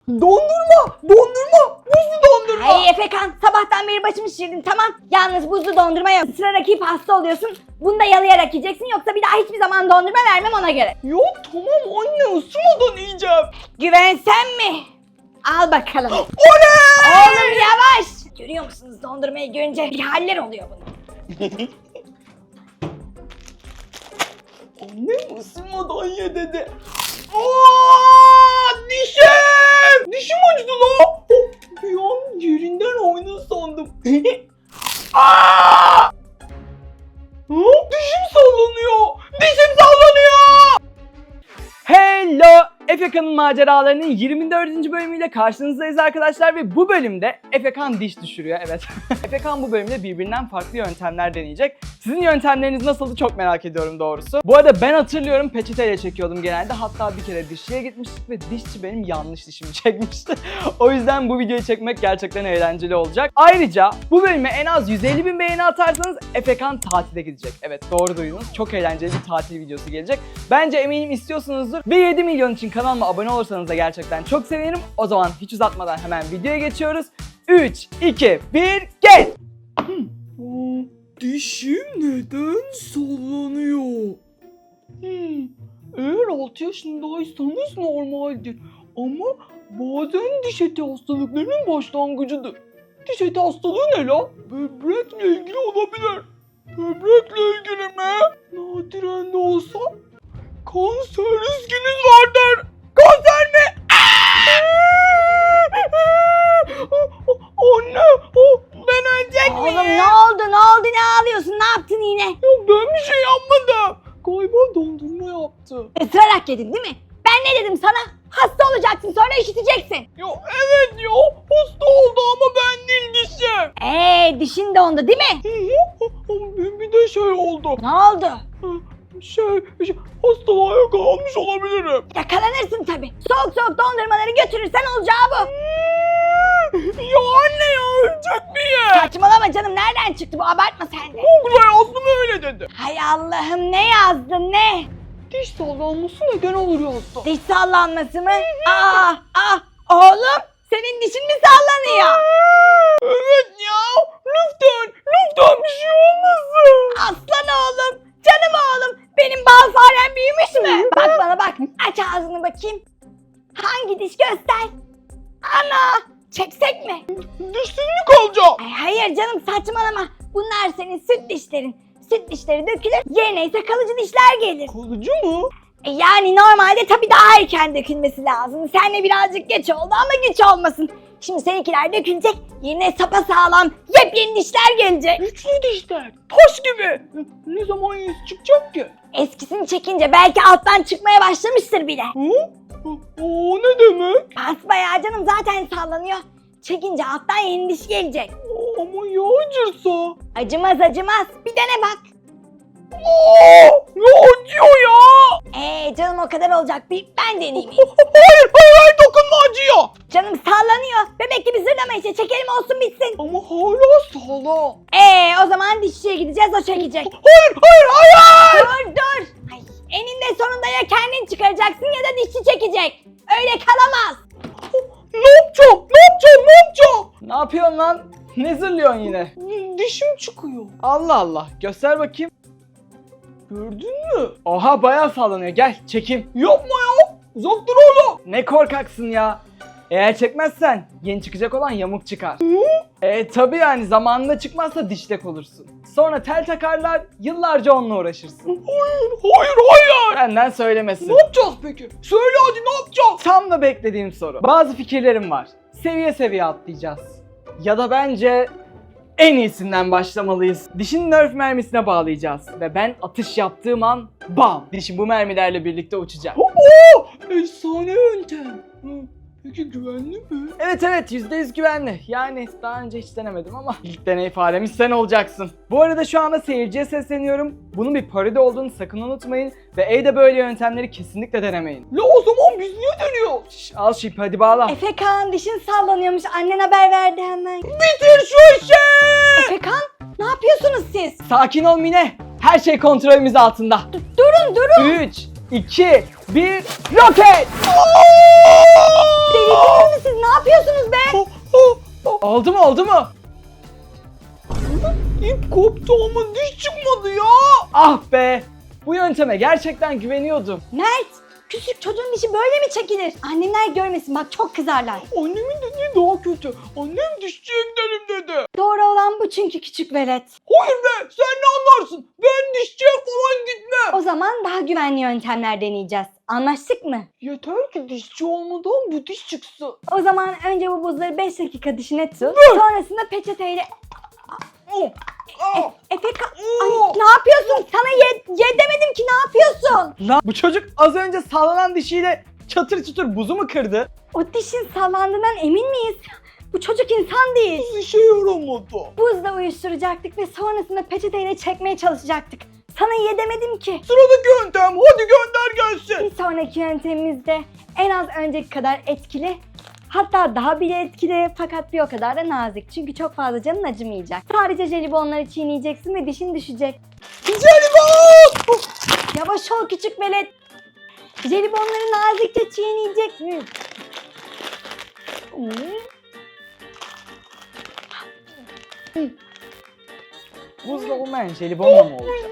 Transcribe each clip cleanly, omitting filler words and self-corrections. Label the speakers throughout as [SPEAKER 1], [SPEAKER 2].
[SPEAKER 1] Dondurma! Buzlu dondurma!
[SPEAKER 2] Ay Efekan, sabahtan beri başımı şişirdin, tamam. Yalnız buzlu dondurma yok. Sıra rakip hasta oluyorsun. Bunu da yalayarak yiyeceksin, yoksa bir daha hiçbir zaman dondurma vermem, ona göre.
[SPEAKER 1] Yok tamam anne, ısırmadan yiyeceğim.
[SPEAKER 2] Güvensen mi? Al bakalım.
[SPEAKER 1] Oley!
[SPEAKER 2] Oğlum yavaş. Görüyor musunuz, dondurmayı görünce bir haller oluyor bunun.
[SPEAKER 1] Annem ısırmadan ye dedi. Aa, dişim! Dişim acıdı la. Bir an yerinden oynadı sandım. Aa! Dişim sallanıyor. Dişim sallanıyor. Hello! Efekan'ın maceralarının 24. bölümüyle karşınızdayız arkadaşlar ve bu bölümde Efekan diş düşürüyor, evet. Efekan bu bölümde birbirinden farklı yöntemler deneyecek. Sizin yöntemleriniz nasıldı çok merak ediyorum doğrusu. Bu arada ben hatırlıyorum, peçeteyle çekiyordum genelde. Hatta bir kere dişçiye gitmiştik ve dişçi benim yanlış dişimi çekmişti. O yüzden bu videoyu çekmek gerçekten eğlenceli olacak. Ayrıca bu bölüme en az 150.000 beğeni atarsanız Efekan tatile gidecek. Evet, doğru duydunuz. Çok eğlenceli bir tatil videosu gelecek. Bence eminim istiyorsunuzdur ve 7 milyon için kanalıma abone olursanız da gerçekten çok sevinirim. O zaman hiç uzatmadan hemen videoya geçiyoruz. 3, 2, 1, geç! Dişim neden sallanıyor? Eğer 6 yaşındaysanız normaldir. Ama bazen diş eti hastalıklarının başlangıcıdır. Diş eti hastalığı ne la? Böbrekle ilgili olabilir. Böbrekle ilgili mi? Nadiren de olsa kanser riskiniz vardır. Kanser mi? Anne, ben ölecek miyim?
[SPEAKER 2] Oğlum ne oldu, ne ağlıyorsun, ne yaptın yine?
[SPEAKER 1] Ya ben bir şey yapmadım. Galiba dondurma yaptı.
[SPEAKER 2] Isırarak yedin değil mi? Ben ne dedim sana? Hasta olacaksın, sonra işiteceksin.
[SPEAKER 1] Ya evet ya, hasta oldu ama ben değil dişim.
[SPEAKER 2] Dişin dondu değil mi?
[SPEAKER 1] Bir de şey oldu.
[SPEAKER 2] Ne oldu?
[SPEAKER 1] Şey hastalığa yakalanmış olabilirim.
[SPEAKER 2] Yakalanırsın tabii. Soğuk dondurmaları götürürsen olacağı bu.
[SPEAKER 1] Ya anne ya, ölecek miyim?
[SPEAKER 2] Saçmalama canım, nereden çıktı bu, abartma sen de.
[SPEAKER 1] Google'a yazdım öyle dedi.
[SPEAKER 2] Hay Allah'ım, ne yazdın ne?
[SPEAKER 1] Diş sallanması neden olur yazdı.
[SPEAKER 2] Diş sallanması mı? Oğlum senin dişin mi sallanıyor?
[SPEAKER 1] Evet ya, lütfen bir şey olmasın.
[SPEAKER 2] Aslan oğlum, canım oğlum, benim bal farem büyümüş mü? Bak bana bak, aç ağzını bakayım. Hangi diş, göster. Ana, çeksek mi?
[SPEAKER 1] Dişsiz mi kalacağım?
[SPEAKER 2] Ay hayır canım, saçmalama. Bunlar senin süt dişlerin. Süt dişleri dökülür, yerine ise kalıcı dişler gelir.
[SPEAKER 1] Kalıcı mı?
[SPEAKER 2] Yani normalde tabii daha erken dökülmesi lazım. Seninle birazcık geç oldu ama güç olmasın. Şimdi seninkiler dökülecek, yerine sapasağlam yepyeni dişler gelecek.
[SPEAKER 1] Güçlü dişler, taş gibi. Ne zaman yüz çıkacak ki?
[SPEAKER 2] Eskisini çekince belki alttan çıkmaya başlamıştır bile.
[SPEAKER 1] O ne demek?
[SPEAKER 2] Basbayağı canım, zaten sallanıyor. Çekince alttan yeni diş gelecek.
[SPEAKER 1] Ama ya acırsa?
[SPEAKER 2] Acımaz, bir dene bak.
[SPEAKER 1] Ne acıyor ya?
[SPEAKER 2] Canım o kadar olacak, bir ben deneyeyim.
[SPEAKER 1] Hayır, dokunma, acıyor.
[SPEAKER 2] Canım sallanıyor. Bebek gibi zırlama işte, çekelim olsun bitsin.
[SPEAKER 1] Ama hala sağlam.
[SPEAKER 2] O zaman dişçiye gideceğiz, o çekecek.
[SPEAKER 1] Hayır.
[SPEAKER 2] Dur. Ay, eninde sonunda ya kendin çıkaracaksın ya da dişçi çekecek. Öyle kalamaz.
[SPEAKER 1] Ne yapacağım? Ne yapıyorsun lan? Ne zırlıyorsun yine? Dişim çıkıyor. Allah Allah, göster bakayım. Gördün mü? Oha, bayağı sallanıyor, gel çekeyim. Yapma ya, uzak dur oğlum. Ne korkaksın ya. Eğer çekmezsen yeni çıkacak olan yamuk çıkar. Tabi yani, zamanında çıkmazsa dişlek olursun. Sonra tel takarlar, yıllarca onunla uğraşırsın. Hayır. Benden söylemesi. Ne yapacağız peki? Söyle hadi, ne yapacağız? Tam da beklediğim soru. Bazı fikirlerim var. Seviye seviye atlayacağız. Ya da bence en iyisinden başlamalıyız. Dişin nerf mermisine bağlayacağız. Ve ben atış yaptığım an bam! Dişim bu mermilerle birlikte uçacak. Efsane yöntem. Peki güvenli mi? Evet, %100 güvenli. Yani daha önce hiç denemedim ama ilk deney faremiz sen olacaksın. Bu arada şu anda seyirciye sesleniyorum. Bunun bir parodi olduğunu sakın unutmayın. Ve evde böyle yöntemleri kesinlikle denemeyin. La o zaman biz niye deniyoruz? Al şu ipi, hadi bağla.
[SPEAKER 2] Efekan, dişin sallanıyormuş, annen haber verdi hemen.
[SPEAKER 1] Bitir şu işi!
[SPEAKER 2] Efekan, ne yapıyorsunuz siz?
[SPEAKER 1] Sakin ol Mine. Her şey kontrolümüz altında.
[SPEAKER 2] Durun.
[SPEAKER 1] 3, 2, 1, roket!
[SPEAKER 2] Delirdiniz mi
[SPEAKER 1] Oldu mu? İp koptu ama diş çıkmadı ya. Ah be. Bu yönteme gerçekten güveniyordum.
[SPEAKER 2] Mert, küçük çocuğun dişi böyle mi çekilir? Annemler görmesin bak çok kızarlar.
[SPEAKER 1] Annemin dediği daha kötü. Annem dişçiye gidelim dedi.
[SPEAKER 2] Doğru olan bu çünkü küçük velet.
[SPEAKER 1] Hayır be, sen ne anlarsın? Ben dişçiye falan gitmem.
[SPEAKER 2] O zaman daha güvenli yöntemler deneyeceğiz. Anlaştık mı?
[SPEAKER 1] Yeter ki dişçi olmadan bu diş çıksın.
[SPEAKER 2] O zaman önce bu buzları 5 dakika dişine tut. Sonrasında peçeteyle... Efekan, ay, ne yapıyorsun? Sana ye demedim ki, ne yapıyorsun?
[SPEAKER 1] Lan bu çocuk az önce sallanan dişiyle çatır çutur buzu mu kırdı?
[SPEAKER 2] O dişin sallandığından emin miyiz? Bu çocuk insan değil.
[SPEAKER 1] Buz işe yaramadı.
[SPEAKER 2] Buzla uyuşturacaktık ve sonrasında peçeteyle çekmeye çalışacaktık. Sana ye demedim ki.
[SPEAKER 1] Sıradaki yöntem, hadi gönder gelsin.
[SPEAKER 2] Bir sonraki yöntemimiz de en az önceki kadar etkili. Hatta daha bile etkili fakat bir o kadar da nazik. Çünkü çok fazla canın acımayacak. Sadece jelibonları çiğneyeceksin ve dişin düşecek.
[SPEAKER 1] Jelibon!
[SPEAKER 2] Yavaş ol küçük velet. Jelibonları nazikçe çiğneyecek.
[SPEAKER 1] Buzla olmayan jelibonla mı olacak?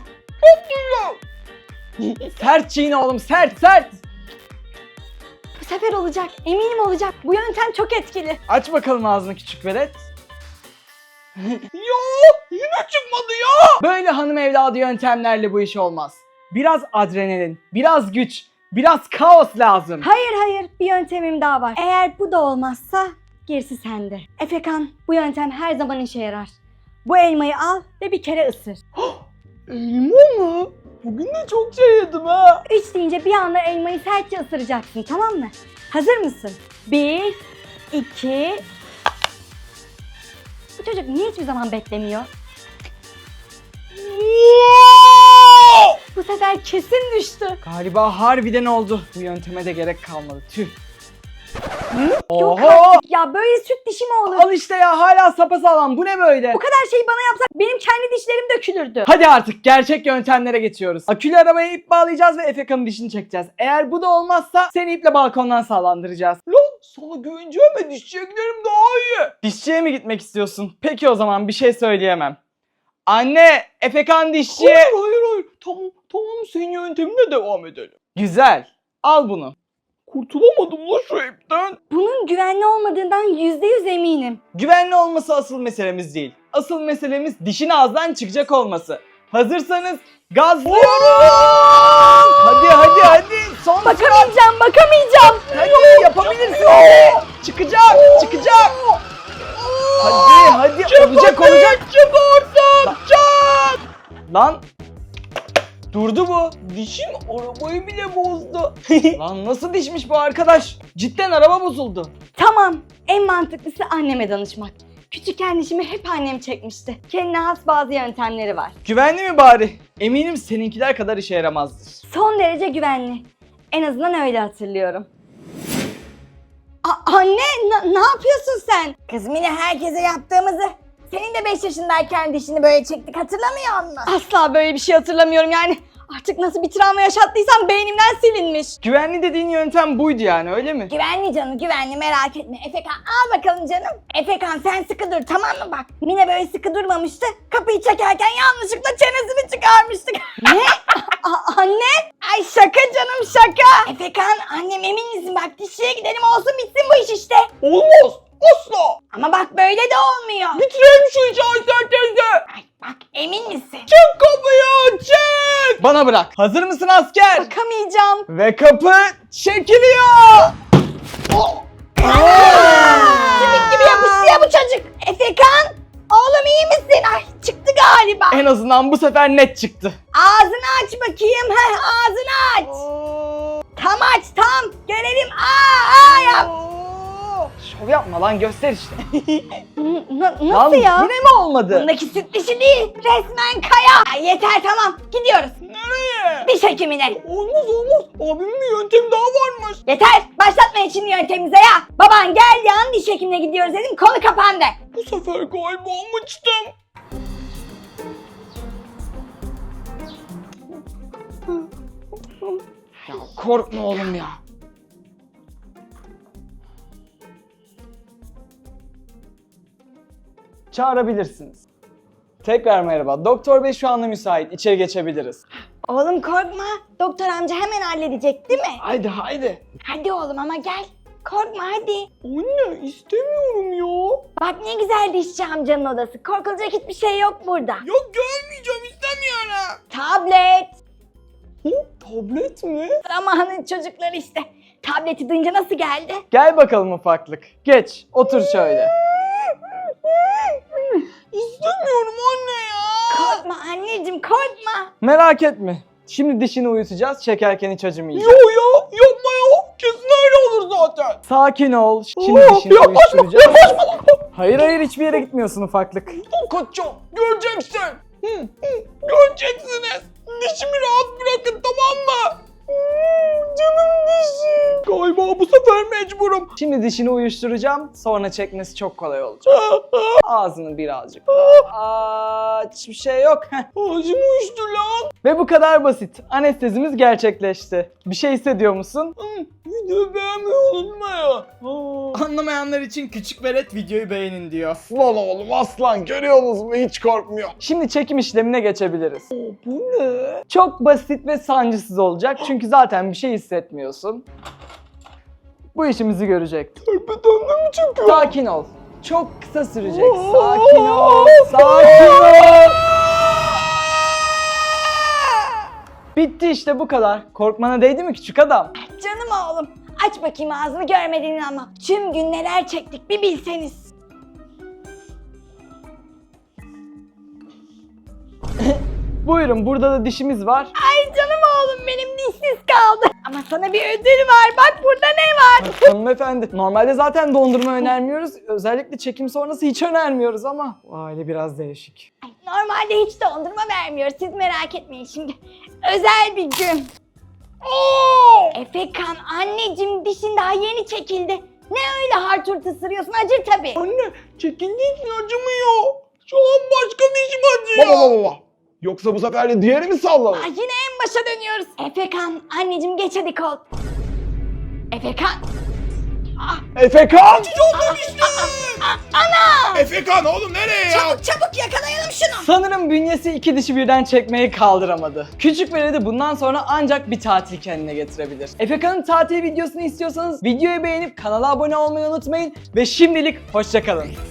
[SPEAKER 1] Sert çiğne oğlum, sert.
[SPEAKER 2] Bu sefer olacak. Eminim olacak. Bu yöntem çok etkili.
[SPEAKER 1] Aç bakalım ağzını küçük velet. Ya yine çıkmadı ya. Böyle hanım evladı yöntemlerle bu iş olmaz. Biraz adrenalin, biraz güç, biraz kaos lazım.
[SPEAKER 2] Hayır, bir yöntemim daha var. Eğer bu da olmazsa gerisi sende. Efekan, bu yöntem her zaman işe yarar. Bu elmayı al ve bir kere ısır.
[SPEAKER 1] Elma mı? Bugün de çok şey yedim ha.
[SPEAKER 2] 3 deyince bir anda elmayı sertçe ısıracaksın, tamam mı? Hazır mısın? 1, 2... Bu çocuk niye hiçbir zaman beklemiyor? Bu sefer kesin düştü.
[SPEAKER 1] Galiba harbiden oldu. Bu yönteme de gerek kalmadı. Tüh.
[SPEAKER 2] Yok
[SPEAKER 1] Oho!
[SPEAKER 2] artık ya, böyle süt dişi mi olur?
[SPEAKER 1] Al işte ya, hala sapasağlam. Bu ne böyle?
[SPEAKER 2] Bu kadar şeyi bana yapsak benim kendi dişlerim dökülürdü.
[SPEAKER 1] Hadi artık gerçek yöntemlere geçiyoruz. Akülü arabaya ip bağlayacağız ve Efeka'nın dişini çekeceğiz. Eğer bu da olmazsa seni iple balkondan sağlandıracağız. Lan sana güveneceğim ve dişçiye giderim daha iyi. Dişçiye mi gitmek istiyorsun? Peki o zaman bir şey söyleyemem. Anne, Efekan dişçiye... Hayır. Tamam senin yöntemine devam edelim. Güzel. Al bunu. Kurtulamadım la şu ipten.
[SPEAKER 2] Bunun güvenli olmadığından %100 eminim.
[SPEAKER 1] Güvenli olması asıl meselemiz değil. Asıl meselemiz dişin ağızdan çıkacak olması. Hazırsanız gazlıyorum. Hadi. Son sürat.
[SPEAKER 2] Bakamayacağım.
[SPEAKER 1] Hadi yapabilirsin. Çıkacak. Hadi olacak. Çık oradan. Lan. Durdu bu. Dişim arabayı bile bozdu. Lan nasıl dişmiş bu arkadaş? Cidden araba bozuldu.
[SPEAKER 2] Tamam, en mantıklısı anneme danışmak. Küçükken dişimi hep annem çekmişti. Kendine has bazı yöntemleri var.
[SPEAKER 1] Güvenli mi bari? Eminim seninkiler kadar işe yaramazdır.
[SPEAKER 2] Son derece güvenli. En azından öyle hatırlıyorum. Anne, ne yapıyorsun sen?
[SPEAKER 3] Kız Mine, herkese yaptığımızı. Senin de 5 yaşındayken dişini böyle çektik, hatırlamıyor musun?
[SPEAKER 2] Asla böyle bir şey hatırlamıyorum yani. Artık nasıl bir travma yaşattıysam beynimden silinmiş.
[SPEAKER 1] Güvenli dediğin yöntem buydu yani, öyle mi?
[SPEAKER 3] Güvenli canım, güvenli, merak etme. Efekan al bakalım canım. Efekan sen sıkı dur, tamam mı bak? Mine böyle sıkı durmamıştı. Kapıyı çekerken yanlışlıkla çenesini çıkarmıştık.
[SPEAKER 2] Ne? Anne?
[SPEAKER 3] Ay şaka canım, şaka. Efekan, annem emin misin? Bak dişçiye gidelim, olsun bitsin bu iş işte.
[SPEAKER 1] Olmaz. Asla.
[SPEAKER 3] Ama bak böyle de olmuyor.
[SPEAKER 1] Bitirelim şu işi Aysel teyze.
[SPEAKER 3] Ay bak, emin misin?
[SPEAKER 1] Çık kapıyı, çek. Bana bırak. Hazır mısın asker?
[SPEAKER 2] Bakamayacağım.
[SPEAKER 1] Ve kapı çekiliyor.
[SPEAKER 3] Sümük gibi yapıştı ya bu çocuk. Efekan, oğlum iyi misin? Ay çıktı galiba.
[SPEAKER 1] En azından bu sefer net çıktı.
[SPEAKER 3] Ağzını aç bakayım. Ağzını aç. Tam aç tam. Görelim. Yap.
[SPEAKER 1] Şov yapma lan, göster işte.
[SPEAKER 2] Nasıl
[SPEAKER 1] Lan,
[SPEAKER 2] ya?
[SPEAKER 1] yine mi olmadı?
[SPEAKER 3] Bundaki süt dişi değil. Resmen kaya. Ay, yeter tamam. Gidiyoruz.
[SPEAKER 1] Nereye?
[SPEAKER 3] Diş hekimine.
[SPEAKER 1] Olmaz. Abimin bir yöntemi daha varmış.
[SPEAKER 3] Yeter. Başlatmayın şimdi yöntemimize ya. Baban geldi an diş hekimine gidiyoruz dedim. Konu kapandı.
[SPEAKER 1] Bu sefer galiba almıştım. Ya korkma oğlum ya. Çağırabilirsiniz. Tekrar merhaba. Doktor bey şu anda müsait. İçeri geçebiliriz.
[SPEAKER 3] Oğlum korkma. Doktor amca hemen halledecek değil mi?
[SPEAKER 1] Haydi haydi.
[SPEAKER 3] Hadi oğlum ama gel. Korkma hadi.
[SPEAKER 1] Anne istemiyorum ya.
[SPEAKER 3] Bak ne güzel dişçi amcanın odası. Korkulacak hiçbir şey yok burada.
[SPEAKER 1] Yok görmeyeceğim istemiyorum.
[SPEAKER 3] Tablet.
[SPEAKER 1] Tablet mi?
[SPEAKER 3] Zamanın çocukları işte. Tableti duyunca nasıl geldi?
[SPEAKER 1] Gel bakalım ufaklık. Geç otur şöyle. İstemiyorum anne ya.
[SPEAKER 3] Korkma anneciğim korkma.
[SPEAKER 1] Merak etme. Şimdi dişini uyutacağız, çekerken hiç acımayacak.
[SPEAKER 4] Yo ya yapma ya. Kesin öyle olur zaten.
[SPEAKER 1] Sakin ol. Şimdi dişini
[SPEAKER 4] Yaklaşma
[SPEAKER 1] uyuşturacağız.
[SPEAKER 4] yaklaşma lan.
[SPEAKER 1] Hayır hiçbir yere gitmiyorsun ufaklık.
[SPEAKER 4] Kaçacağım. Göreceksin. Göreceksiniz. Dişimi rahat bırakın tamam mı? Canım dişim. Galiba bu sefer mecburum.
[SPEAKER 1] Şimdi dişini uyuşturacağım, sonra çekmesi çok kolay olacak. Ağzını birazcık. Aç, bir şey yok. Heh.
[SPEAKER 4] Ağzım uyuştu lan.
[SPEAKER 1] Ve bu kadar basit. Anestezimiz gerçekleşti. Bir şey hissediyor musun?
[SPEAKER 4] Videoyu beğenmeyi unutma ya.
[SPEAKER 1] Anlamayanlar için küçük velet videoyu beğenin diyor.
[SPEAKER 4] Lan oğlum aslan görüyorsunuz mu hiç korkmuyor.
[SPEAKER 1] Şimdi çekim işlemine geçebiliriz.
[SPEAKER 4] Bu ne?
[SPEAKER 1] Çok basit ve sancısız olacak çünkü zaten bir şey hissetmiyorsun. Bu işimizi görecek.
[SPEAKER 4] Tepeden mi çıkıyor?
[SPEAKER 1] Sakin ol. Çok kısa sürecek. Sakin ol. Sakin ol. Bitti işte bu kadar. Korkmana değdi mi küçük adam?
[SPEAKER 3] Canım oğlum. Aç bakayım ağzını görmedin ama. Tüm gün neler çektik bir bilseniz.
[SPEAKER 1] Buyurun burada da dişimiz var.
[SPEAKER 3] Ay canım oğlum benim dişsiz kaldı. Ama sana bir ödül var. Bak burada ne var?
[SPEAKER 1] Hanımefendi normalde zaten dondurma önermiyoruz. Özellikle çekim sonrası hiç önermiyoruz ama bu aile biraz değişik.
[SPEAKER 3] Ay, normalde hiç dondurma vermiyoruz. Siz merak etmeyin şimdi. Özel bir gün. Efekan anneciğim dişin daha yeni çekildi. Ne öyle harturt ısırıyorsun acır tabii.
[SPEAKER 4] Anne çekindiğin için acımıyor. Şu an başka dişim acıyor. Baba. Yoksa bu sefer de diğeri mi salladı?
[SPEAKER 3] Ay, yine en başa dönüyoruz. Efekan anneciğim geç hadi kol. Efekan.
[SPEAKER 4] Efekan!
[SPEAKER 3] Ana!
[SPEAKER 4] Efekan oğlum nereye ya?
[SPEAKER 3] Çabuk çabuk yakalayalım şunu.
[SPEAKER 1] Sanırım bünyesi iki dişi birden çekmeyi kaldıramadı. Küçük veledi bundan sonra ancak bir tatil kendine getirebilir. Efekan'ın tatil videosunu istiyorsanız videoyu beğenip kanala abone olmayı unutmayın ve şimdilik hoşça kalın.